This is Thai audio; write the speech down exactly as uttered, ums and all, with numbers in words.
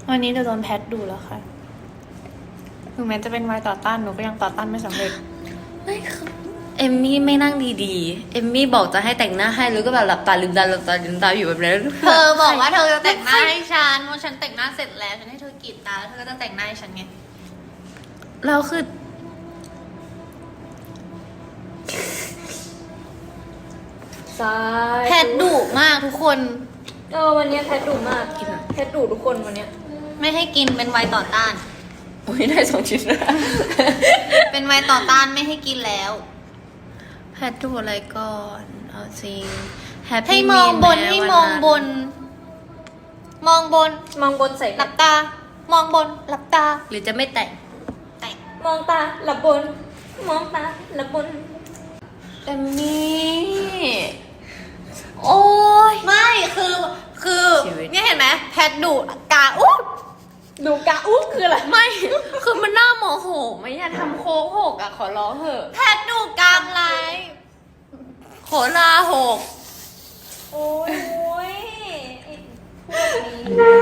วันนี้จะโดนแพทดูแล้วค่ะถึงแม้จะเป็นวัยต่อต้านหนูก็ยังต่อต้านไม่สำเร็จไม่คือเอมมี่ไม่นั่งดีๆ เอมมี่บอกจะให้แต่งหน้าให้แล้วก็แบบหลับตาลืมตาหลับตาลืมตาอยู่แบบนั้นเธอบอกว่าเธอจะแต่งหน้าให้ฉันว่าฉันแต่งหน้าเสร็จแล้วฉันให้เธอกรีดตาแล้วเธอก็จะแต่งหน้าให้ฉันไงเราคือซ้ายแพทดุมากทุกคนเออวันนี้แพทดุมากกินแพทดุทุกคนวันนี้ไม่ให้กินเป็นวัยต่อต้านโอ้ยได้สองชิ้นแล้วเป็นวัยต่อต้านไม่ให้กินแล้วแพทดูอะไรก่อนเอาจริง Happy ให้มองบน Meal ให้แมองบน มองบนมองบนใส่หลับตา มองบนหลับตาหรือจะไม่แต่งแต่งมองตาหลับบน มองตาหลับบนเอมมี่โอ้ยไม่คือคือชีวิตเนี่ยเห็นไหมแพทดุกาอุ๊บดูกะอุ๊บคืออะไรไม่ คือมันน่าโมโหไม่อยากทำโค้กหกอ่ะ ขอร้องเถอะแพทดุกามไลฟ์โขลาหกโอ้ยโอ้ยไอ้พวกนี้